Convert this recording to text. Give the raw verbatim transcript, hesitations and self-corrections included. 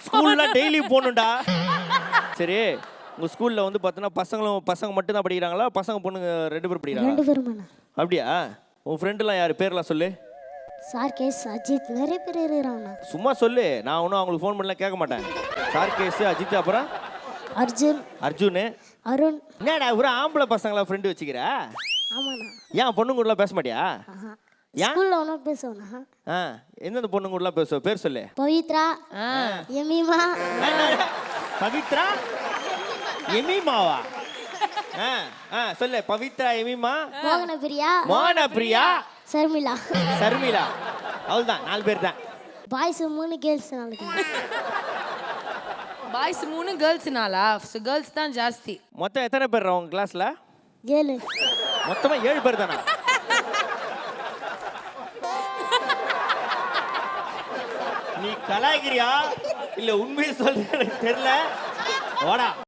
ஸ்கூல்ல டெய்லி போகணும்டா. சரி உங்க ஸ்கூல்ல வந்து பார்த்தோன்னா பசங்களும் பசங்க மட்டும் தான் படிக்கிறாங்களா பசங்க பொண்ணுங்க ரெண்டு பேரும் படிக்கிறாங்க? ரெண்டு பேருமாண்ணா. அப்படியா? உன் ஃப்ரெண்டுலாம் யார் பேர்லாம் சொல்லு. சார்கேஸ் அஜித் நிறைய பேர் இருக்கிறாங்கண்ணா. சும்மா சொல்லு, நான் ஒன்றும் அவங்களுக்கு ஃபோன் பண்ணலாம் கேட்க மாட்டேன். சார்கேஸ் அஜித் அப்புறம் அர்ஜுன் அர்ஜுனு அருண். என்னடா ஒரு ஆம்பளை பசங்களா ஃப்ரெண்டு வச்சுக்கிற? ஆமாண்ணா. ஏன் பொண்ணுங்க கூடலாம் பேச மாட்டியா? ஏன்? ஸ்கூல்ல ஒன்றா பேசுவோண்ணா. ஆ எந்தெந்த பொண்ணுங்க கூடலாம் பேசுவ? பேர் சொல்லு. பவித்ரா, எமீமா, பவித்ரா, எமீமாவா? ஆ ஆ சொல்லு. பவித்ரா, எமீமா, மோகன பிரியா, மோகன பிரியா, சர்மிளா. சர்மிளா. அவ்வளோதான், நாலு பேர் தான். பாய்ஸ் மூணு கேர்ள்ஸ் நாளைக்கு. பாய்ஸ் மூணு கேர்ள்ஸ் நாளா? கேர்ள்ஸ் தான் ஜாஸ்தி. மொத்தம் எத்தனை பேர் உங்க கிளாஸ்ல? ஏழு. மொத்தமா ஏழு பேர் தானா? நீ கலாய்கிறியா இல்ல உண்மையை சொல்ற எனக்கு தெரியல. வாடா.